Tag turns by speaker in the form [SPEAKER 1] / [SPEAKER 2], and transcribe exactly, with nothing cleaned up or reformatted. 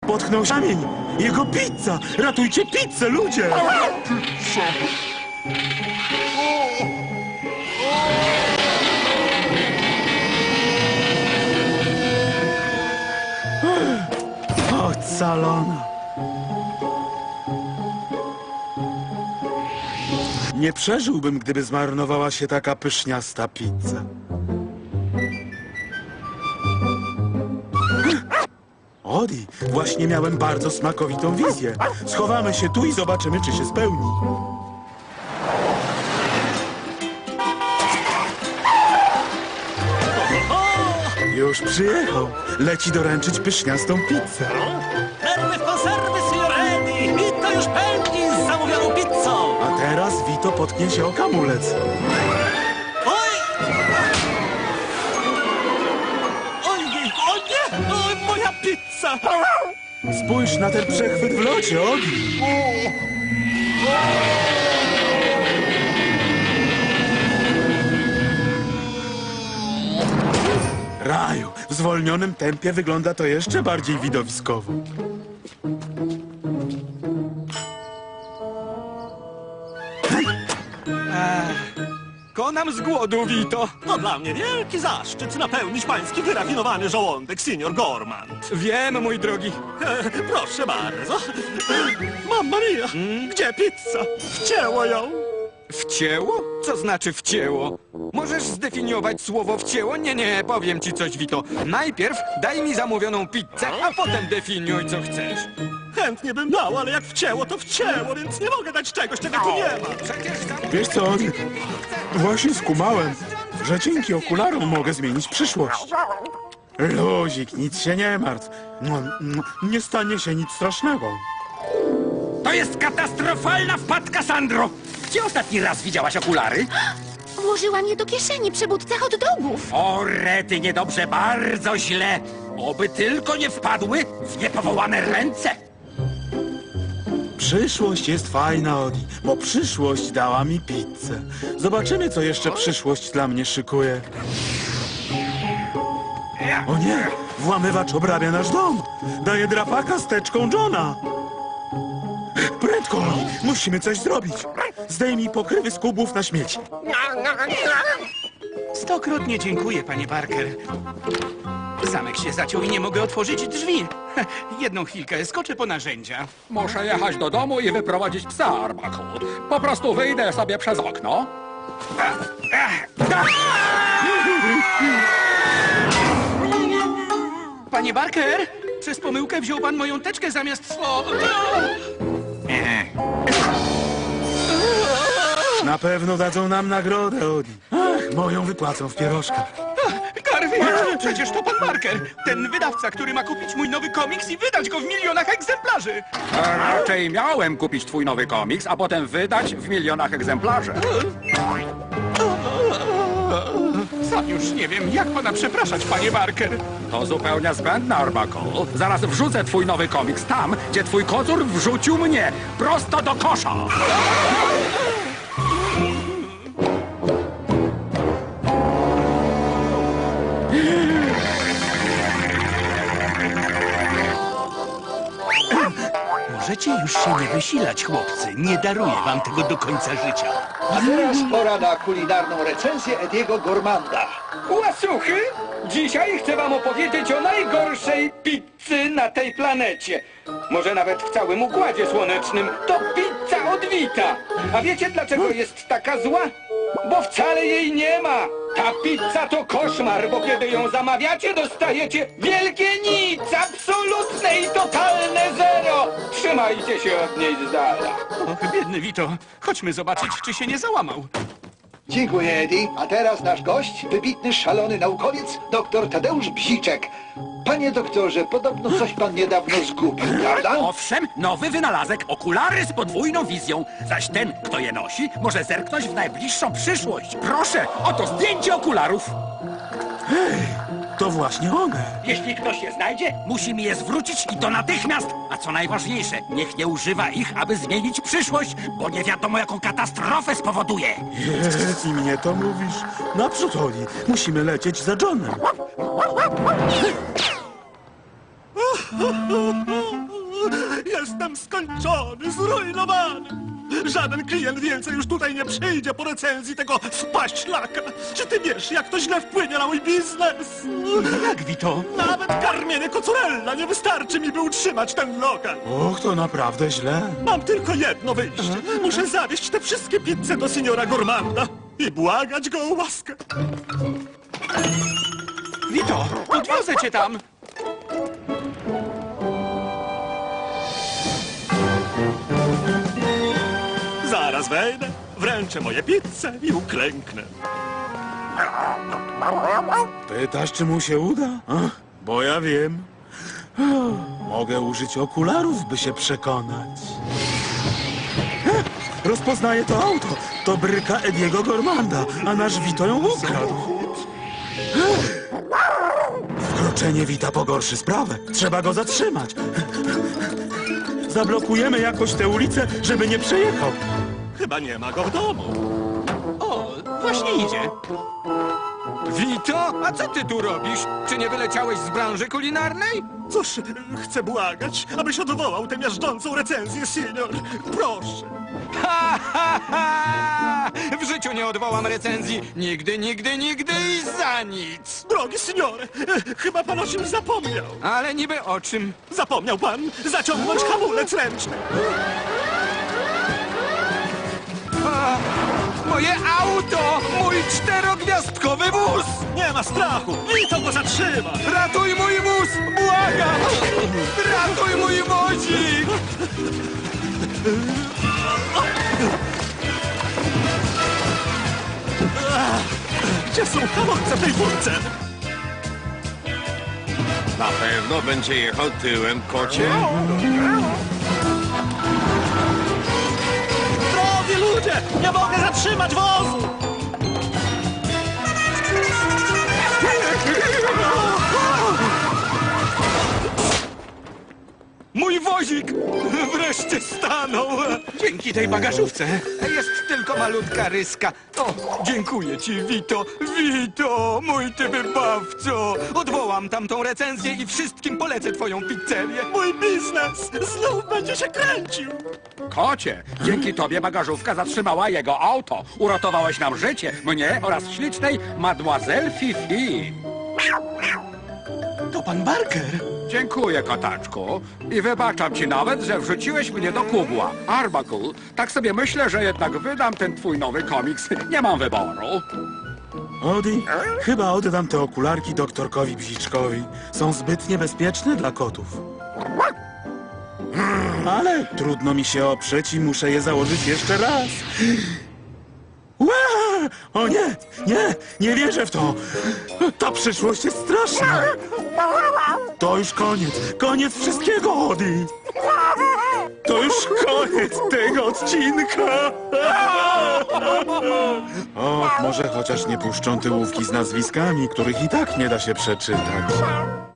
[SPEAKER 1] Potknął kamień! Jego pizza! Ratujcie pizzę, ludzie! Ocalona! Nie przeżyłbym, gdyby zmarnowała się taka pyszniasta pizza. Odi, właśnie miałem bardzo smakowitą wizję. Schowamy się tu i zobaczymy, czy się spełni. Już przyjechał. Leci doręczyć pyszniastą pizzę.
[SPEAKER 2] Perły w konserwy, signoreni! I to już pędzi z zamówioną pizzą!
[SPEAKER 1] A teraz Vito potknie się o kamulec.
[SPEAKER 2] Oj! Oj, jejku, o nie! O, moja pizza!
[SPEAKER 1] Spójrz na ten przechwyt w locie, Odi. Raju, w zwolnionym tempie wygląda to jeszcze bardziej widowiskowo.
[SPEAKER 3] Konam z głodu, Vito.
[SPEAKER 2] To dla mnie wielki zaszczyt napełnić pański wyrafinowany żołądek, senior Gormand.
[SPEAKER 3] Wiem, mój drogi.
[SPEAKER 2] E, proszę bardzo. Mamma mia! Gdzie pizza? Wcięło ją!
[SPEAKER 3] Wcięło? Co znaczy wcięło? Możesz zdefiniować słowo wcięło? Nie, nie, powiem ci coś, Vito. Najpierw daj mi zamówioną pizzę, a potem definiuj, co chcesz.
[SPEAKER 2] Chętnie bym dał, ale jak wcięło, to wcięło, więc nie mogę dać czegoś, czego tu nie ma.
[SPEAKER 3] Przecież zamówiłem
[SPEAKER 1] Wiesz co, Odi? Właśnie skumałem, że dzięki okularom mogę zmienić przyszłość. Luzik, nic się nie martw. No, no, nie stanie się nic strasznego.
[SPEAKER 4] To jest katastrofalna wpadka, Sandro! Gdzie ostatni raz widziałaś okulary?
[SPEAKER 5] Włożyłam je do kieszeni przy budce hot dogów.
[SPEAKER 4] O, rety, niedobrze, bardzo źle! Oby tylko nie wpadły w niepowołane ręce!
[SPEAKER 1] Przyszłość jest fajna, Odi, bo przyszłość dała mi pizzę. Zobaczymy, co jeszcze przyszłość dla mnie szykuje. O nie, włamywacz obrabia nasz dom. Daje drapaka z teczką Johna. Prędko, Odi, musimy coś zrobić. Zdejmij pokrywy z kubów na śmieci.
[SPEAKER 6] Stokrotnie dziękuję, panie Barker. Zamek się zaciął i nie mogę otworzyć drzwi. Jedną chwilkę, skoczę po narzędzia.
[SPEAKER 7] Muszę jechać do domu i wyprowadzić psa, Armaku. Po prostu wyjdę sobie przez okno.
[SPEAKER 6] Panie Barker, przez pomyłkę wziął pan moją teczkę zamiast swo...
[SPEAKER 1] Na pewno dadzą nam nagrodę, Odi. Ach, moją wypłacą w pierożkach.
[SPEAKER 6] Garvey, przecież to pan Barker, ten wydawca, który ma kupić mój nowy komiks i wydać go w milionach egzemplarzy.
[SPEAKER 7] A raczej miałem kupić twój nowy komiks, a potem wydać w milionach egzemplarzy.
[SPEAKER 6] Sam już nie wiem, jak pana przepraszać, panie Barker.
[SPEAKER 7] To zupełnie zbędne, Armaku. Zaraz wrzucę twój nowy komiks tam, gdzie twój kocur wrzucił mnie. Prosto do kosza.
[SPEAKER 6] Możecie już się nie wysilać, chłopcy. Nie daruję wam tego do końca życia.
[SPEAKER 8] A teraz pora na kulinarną recenzję Ediego Gormanda.
[SPEAKER 3] Łasuchy! Dzisiaj chcę wam opowiedzieć o najgorszej pizzy na tej planecie. Może nawet w całym Układzie Słonecznym. To pizza od Vita. A wiecie, dlaczego jest taka zła? Bo wcale jej nie ma. Ta pizza to koszmar, bo kiedy ją zamawiacie, dostajecie wielkie nic, absolutne i totalne zero. Trzymajcie się od niej z dala.
[SPEAKER 6] Och, biedny Vito. Chodźmy zobaczyć, czy się nie załamał.
[SPEAKER 8] Dziękuję, Eddie. A teraz nasz gość, wybitny, szalony naukowiec, dr Tadeusz Bziczek. Panie doktorze, podobno coś pan niedawno zgubił, prawda?
[SPEAKER 4] Owszem, nowy wynalazek, okulary z podwójną wizją. Zaś ten, kto je nosi, może zerknąć w najbliższą przyszłość. Proszę, oto zdjęcie okularów.
[SPEAKER 1] To właśnie one.
[SPEAKER 4] Jeśli ktoś je znajdzie, musi mi je zwrócić i to natychmiast. A co najważniejsze, niech nie używa ich, aby zmienić przyszłość, bo nie wiadomo, jaką katastrofę spowoduje.
[SPEAKER 1] Jest i mnie to mówisz. Naprzód, Odi, musimy lecieć za Johnem.
[SPEAKER 2] Jestem skończony, zrujnowany. Żaden klient więcej już tutaj nie przyjdzie po recenzji tego wpaślaka. Czy ty wiesz, jak to źle wpłynie na mój biznes?
[SPEAKER 6] Jak, Vito?
[SPEAKER 2] Nawet karmienie kocurella nie wystarczy mi, by utrzymać ten lokal.
[SPEAKER 1] Och, to naprawdę źle.
[SPEAKER 2] Mam tylko jedno wyjście. Muszę zawieźć te wszystkie pizze do seniora Gormanda i błagać go o łaskę.
[SPEAKER 6] Vito, podwiozę cię tam.
[SPEAKER 2] Zaraz wejdę, wręczę moje pizze i uklęknę.
[SPEAKER 1] Pytasz, czy mu się uda? Ach, bo ja wiem. Mogę użyć okularów, by się przekonać. Eh, Rozpoznaję to auto. To bryka Ediego Gormanda, a nasz Vito ją ukradł. Eh, Wkroczenie Vita pogorszy sprawę. Trzeba go zatrzymać. Zablokujemy jakoś tę ulicę, żeby nie przejechał.
[SPEAKER 2] Chyba nie ma go w domu.
[SPEAKER 6] O, właśnie idzie. Vito, a co ty tu robisz? Czy nie wyleciałeś z branży kulinarnej?
[SPEAKER 2] Cóż, chcę błagać, abyś odwołał tę miażdżącą recenzję, senior. Proszę.
[SPEAKER 6] Ha, ha, ha! W życiu nie odwołam recenzji. Nigdy, nigdy, nigdy i za nic.
[SPEAKER 2] Drogi seniorze, e, chyba pan o czymś zapomniał.
[SPEAKER 6] Ale niby o czym?
[SPEAKER 2] Zapomniał pan zaciągnąć hamulec ręczny.
[SPEAKER 6] A, moje auto! Mój czterogwiazdkowy wóz!
[SPEAKER 2] Nie ma strachu, Vito go zatrzyma.
[SPEAKER 6] Ratuj mój wóz! Błagam! Ratuj mój wozik!
[SPEAKER 2] Gdzie są hamulce w tej furce?
[SPEAKER 9] Na pewno będzie jechał tyłem, kocie.
[SPEAKER 2] Drogi ludzie, nie mogę zatrzymać wozu.
[SPEAKER 6] Mój wozik wreszcie stanął! Dzięki tej bagażówce jest tylko malutka ryska. O, dziękuję ci, Vito! Vito, mój ty wybawco! Odwołam tamtą recenzję i wszystkim polecę twoją pizzerię.
[SPEAKER 2] Mój biznes znów będzie się kręcił.
[SPEAKER 7] Kocie, dzięki tobie bagażówka zatrzymała jego auto. Uratowałeś nam życie, mnie oraz ślicznej Mademoiselle Fifi.
[SPEAKER 6] To pan Barker.
[SPEAKER 7] Dziękuję, kotaczku. I wybaczam ci nawet, że wrzuciłeś mnie do kubła. Arbuckle, tak sobie myślę, że jednak wydam ten twój nowy komiks. Nie mam wyboru.
[SPEAKER 1] Odi, chyba oddam te okularki doktorkowi Bziczkowi. Są zbyt niebezpieczne dla kotów. Ale trudno mi się oprzeć i muszę je założyć jeszcze raz. Ła! O nie, nie, nie wierzę w to. Ta przyszłość jest straszna. To już koniec, koniec wszystkiego, Odi. To już koniec tego odcinka. Och, może chociaż nie puszczą tyłówki z nazwiskami, których i tak nie da się przeczytać.